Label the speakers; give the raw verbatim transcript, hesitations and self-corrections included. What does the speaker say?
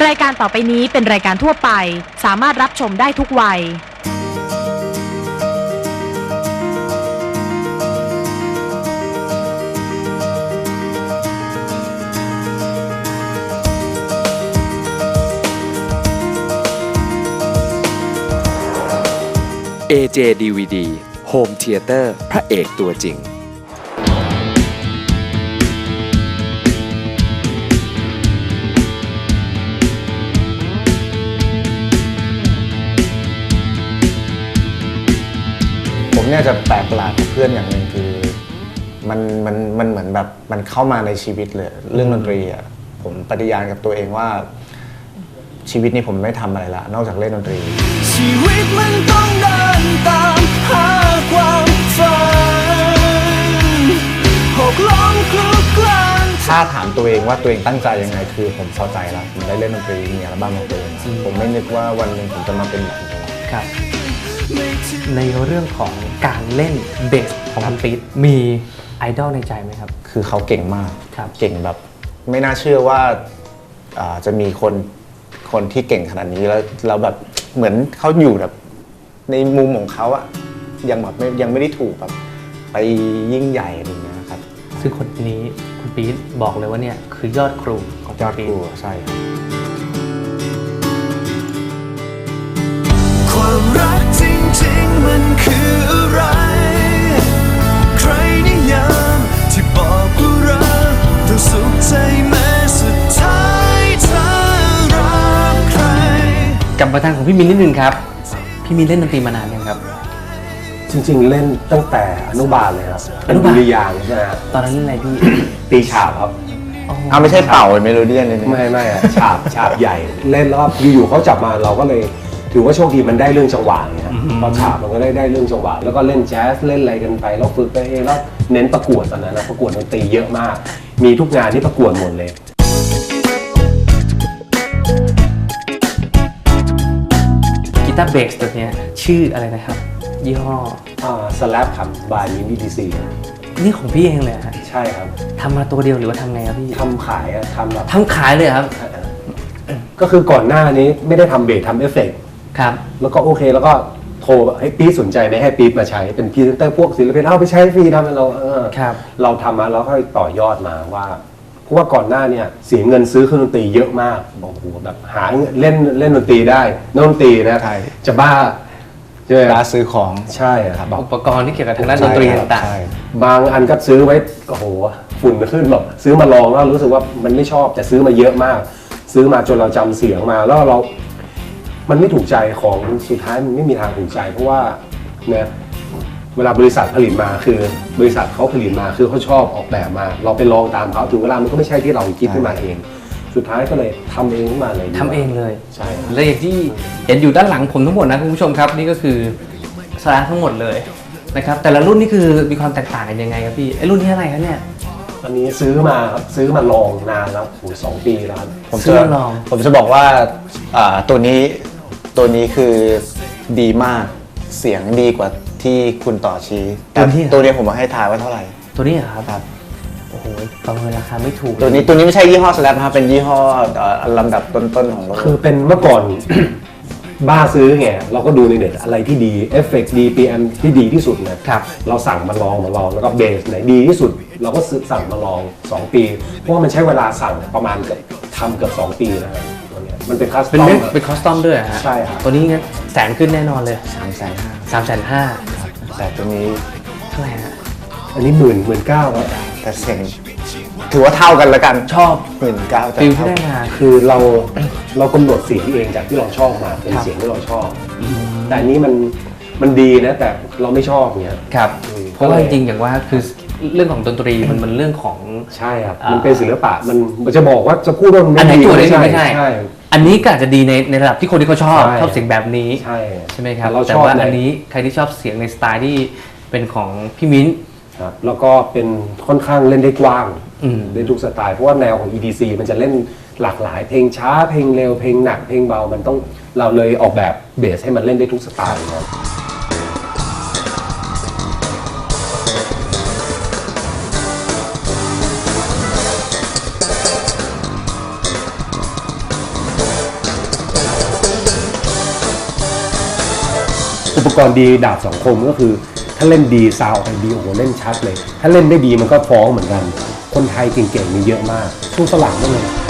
Speaker 1: รายการต่อไปนี้เป็นรายการทั่วไปสามารถรับชมได้ทุกวัย
Speaker 2: เอ เจ ดี วี ดี Home Theater พระเอกตัวจริง
Speaker 3: ผมเนี่ยจะแปลกประหลาดกับเพื่อนอย่างหนึ่งคือมันมันมันเหมือนแบบมันเข้ามาในชีวิตเลยเรื่องดนตรีอ่ะผมปฏิญาณกับตัวเองว่าชีวิตนี้ผมไม่ทำอะไรละนอกจากเล่นดนตรี
Speaker 4: ชีวิตมันต้องเดินตามหาความฝันหกล้มคลุกคลาน
Speaker 3: ถ้าถามตัวเองว่าตัวเองตั้งใจยังไงคือผมพอใจแล้วผมได้เล่นดนตรีมีอัลบั้มของตัวเองผมไม่นึกว่าวันหนึ่งผมจะมาเป็นแบบนี้
Speaker 5: ครับในเรื่องของการเล่นเบสของคุณปี๊ดมีไอดอลในใจไหมครับ
Speaker 3: คือเขาเก่งมาก
Speaker 5: ครับ
Speaker 3: เก่งแบบไม่น่าเชื่อว่าจะมีคนคนที่เก่งขนาดนี้แล้วเราแบบเหมือนเขาอยู่แบบในมุมของเขาอะยังแบบยังไม่ได้ถูกแบบไปยิ่งใหญ่อะไรเงี้ยครับ
Speaker 5: ซึ่งคนนี้คุณปี๊ดบอกเลยว่าเนี่ยคือยอดครูของ
Speaker 3: ยอดครูใช่
Speaker 4: ความรักจริงๆมันคืออะไรใครนิยามที่บอกว่ารักต้องสุขใจแม้สุดท้ายเธอรักใคร
Speaker 5: กลับมาทางของพี่มินนิดนึงครับพี่มินเล่นดนตรีมานานยังครับ
Speaker 6: จริงๆเล่นตั้งแต่อนุบาลเลยครับ
Speaker 5: อนุบาล
Speaker 6: ดุริยางค์ใช่ไหมครับ
Speaker 5: ตอนนั้นเล่นอะไรพี่
Speaker 6: ตีฉาบครับ
Speaker 3: เอาไม่ใช่เป่าเมโลเดียนเลย
Speaker 6: ไม่ไม่อะฉาบฉาบใหญ่เล่นแล้วอยู่ๆเขาจับมาเราก็เลยถือว่าโชคดีมันได้เรื่องจังหวะเนี่ยพอฉาบมันก็ได้ได้เรื่องจังหวะแล้วก็เล่นแจ๊สเล่นอะไรกันไปแล้วฝึกไปเองแล้วเน้นประกวดตอนนั้นนะประกวดดนตรีเยอะมากมีทุกงานที่ประกวดหมดเลย
Speaker 5: กีตาร์เบสตัวนี้ชื่ออะไรนะครับยี่ห้อ
Speaker 6: อ่าสแลปครับบายมินิดีซี
Speaker 5: นี่ของพี่เองเลยฮะ
Speaker 6: ใช่ครับ
Speaker 5: ทำมาตัวเดียวหรือว่าทำไงครับพี่
Speaker 6: ทำขายอะทำแบบ
Speaker 5: ทำขายเลยครับ
Speaker 6: ก็คือก่อนหน้านี้ไม่ได้ทำเบสทำเอฟเฟกต์
Speaker 5: ครับ
Speaker 6: แล้วก็โอเคแล้วก็โทรให้ปี๊ดสนใจไหมให้ปี๊ดมาใช้เป็นพรีเซนเตอร์พวกศิลปินเอาไปใช้ฟรีทำให้เราเออเราทำมาแล้วก็ต่อยอดมาว่าเพราะว่าก่อนหน้าเนี่ยเสียเงินซื้อเครื่องดนตรีเยอะมากบอกโอ้โหแบบหาเล่นเล่นดนตรีได้นักดนตรีนะจะบ้า
Speaker 3: ใช่ไหมร้านซื้อของ
Speaker 6: ใช่ครับ
Speaker 5: อุปกรณ์ที่เกี่ยวกับทางด้านดนตรีต่าง
Speaker 6: ๆบางอันก็ซื้อไว้โอ้โหฝุ่นขึ้นแบบซื้อมาลองแล้วรู้สึกว่ามันไม่ชอบแต่ซื้อมาเยอะมากซื้อมาจนเราจำเสียงมาแล้วเรามันไม่ถูกใจของสุดท้ายมันไม่มีทางถูกใจเพราะว่าเนี่ยเวลาบริษัทผลิตมาคือบริษัทเขาผลิตมาคือเขาชอบออกแบบมาเราไปลองตามเขาถึงเวลามันก็ไม่ใช่ที่เราคิดขึ้นมาเองสุดท้ายก็เลยทำเองขึ้นมาเลย
Speaker 5: ทำเองเลย
Speaker 6: ใช่
Speaker 5: และอย่างที่เห็นอยู่ด้านหลังผมทั้งหมดนะคุณผู้ชมครับนี่ก็คือสลาทั้งหมดเลยนะครับแต่ละรุ่นนี่คือมีความแตกต่างกันยังไงครับพี่ไอ้รุ่นนี้อะไรครับเนี่ย
Speaker 6: อันนี้ซื้อมาครับซื้อมาลองนานแล้วโอ้สองปีแล้วครับ
Speaker 3: ผมจะลองผมจะบอกว่าตัวนี้ตัวนี้คือดีมากเสียงดีกว่าที่คุณต่อชี้แต่ตัวนี้ผมมาให้ทายว่าเท่าไหร่
Speaker 5: ตัวนี้เหรอครับโอ้โหประเมินราคาไม่ถูก
Speaker 3: ตัวนี้ตัวนี้ไม่ใช่ยี่ห้อสแลปนะครับเป็นยี่ห้อลำดับต้นๆของโลก
Speaker 6: คือเป็นเมื่อก่อน บ้าซื้อไงเราก็ดูในเน็ตอะไรที่ดีเอฟเฟกต์ดี พี เอ็ม ที่ดีที่สุดนะครับเราสั่งมาลองมาลองแล้วก็เบสไหนดีที่สุดเราก็ซื้อสั่งมาลองสองปีเพราะว่ามันใช้เวลาสั่งประมาณเกือบทำเกือบสองปีนะครับตัวนี้มันเป็นคัสตอม
Speaker 5: เป็นคอสตอมด้วยฮะ
Speaker 6: ใช่ครับ
Speaker 5: ตัวนี้แสนขึ้นแน่นอนเลย
Speaker 3: สามแสนห้า
Speaker 5: สามแสนห้า
Speaker 3: แต่ตัวนี้
Speaker 5: เท่าไหร่ฮะ
Speaker 6: อันนี้หมื่นหมื่นเก้าครับ
Speaker 3: แต่เสียงถือว่าเท่ากันแล้วกัน
Speaker 5: ชอบ
Speaker 3: หมื่นเก้า
Speaker 5: ฟิลที่ได้มา
Speaker 6: คือเราเรากำหนดเสียงเองจากที่เราชอบมาเป็นเสียงที่เราชอบแต่อันนี้มันมันดีนะแต่เราไม่ชอบเงี้ย
Speaker 5: ครับเพราะว่าจริงๆอย่างว่าคือเรื่องของดนตรีมันมันเรื่องของ
Speaker 6: ใช่ครับมันเป็นศิลปะมันจะบอกว่าจะพูดว่ามัน
Speaker 5: ไม่
Speaker 6: ดี
Speaker 5: ไม่ใช่ไม่ใช่อันนี้ก็อาจจะดีในในระดับที่คนที่เขาชอบชอบเสียงแบบนี้
Speaker 6: ใช่
Speaker 5: ใช่ไหมครับแต่ว่าอันนี้ใครที่ชอบเสียงในสไตล์ที่เป็นของพี่มิ้น
Speaker 6: ครับแล้วก็เป็นค่อนข้างเล่นได้กว้างเล่นทุกสไตล์เพราะว่าแนวของ อี ดี ซี มันจะเล่นหลากหลายเพลงช้าเพลงเร็วเพลงหนักเพลงเบามันต้องเราเลยออกแบบเบสให้มันเล่นได้ทุกสไตล์ครับปกรณ์ดีดาบสองคมก็คือถ้าเล่นดีซาวออกไปดีโอ้โหเล่นชัดเลย ถ้าเล่นได้ดีมันก็ฟ้องเหมือนกันคนไทยเก่งๆมีเยอะมากสู้ฝรั่งก็เลย